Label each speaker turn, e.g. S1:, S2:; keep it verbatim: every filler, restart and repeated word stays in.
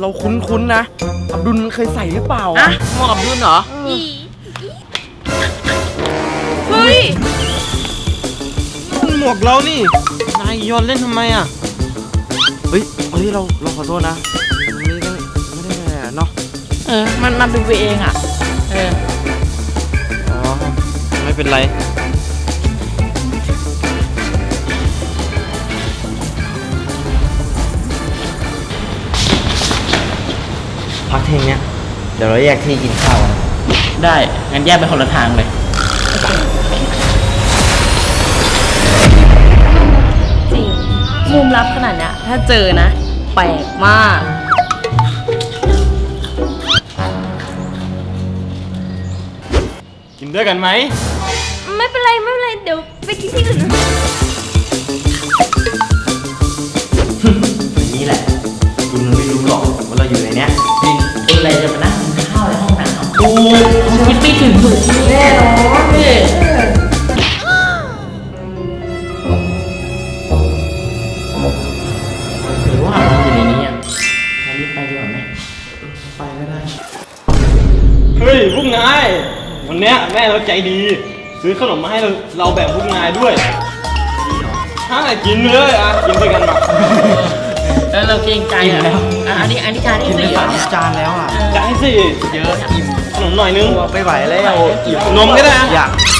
S1: เราคุ้นๆนะอับดุลมันเคยใส่หรือเปล่า
S2: อะหมวกอับดุลเหรอเฮ้ย
S3: หมวกเรานี่นายโยนเล่นทำไมอ่ะ
S1: เฮ้ยเฮ้ยเราเราขอโทษนะไม่ได้ไม่ได้อะไรเนาะ
S2: เออมันมันดูไปเองอ่ะเออ
S3: อ๋อไม่เป็นไรพักเที่ยงเนี้ยเดี๋ยวเราแยกที่กินข้าวกัน
S2: ได้งั้นแยกไปคนละทางเลยจริงมุมลับขนาดเนี้ยถ้าเจอนะแปลกมาก
S3: กินด้วยกันไหม
S4: ไม่เป็นไรไม่เป็นไรเดี๋ยวไปกินที่อื่นนะ
S3: อย่างนี้แหละคุณไม่รู้หรอกว่าเราอยู่ในเนี้ย
S2: จริงเป็นอะไรจะมานั่งกินข้าวในห้องน้ำโอ้ยคิดไม่ถึงมือแน่นอนเลยหรือว่ามันอยู่ในนี้อ่ะงั้นรีบไปดีกว่าไหม
S1: ไปก็ได้
S3: เฮ้ยพวกนายวันเนี้ยแม่เราใจดี ซื้อขนมมาให้เราเราแบ่งพวกนายด้วยถ้ากินเลยอ่ะกินด้วยกันมา
S2: แล้วเราเกรงใจอ่ะอ่ะอันนี้อันนี้จานที่สี่แล้วเนี่ย
S1: จานแล้วอ่ะ
S3: จ่ายสิ
S1: เยอะอิ่ม
S3: ขนมหน่อยนึง
S1: ไม่ไหวแล้ว
S3: นมก็ได้นะ
S1: อยาก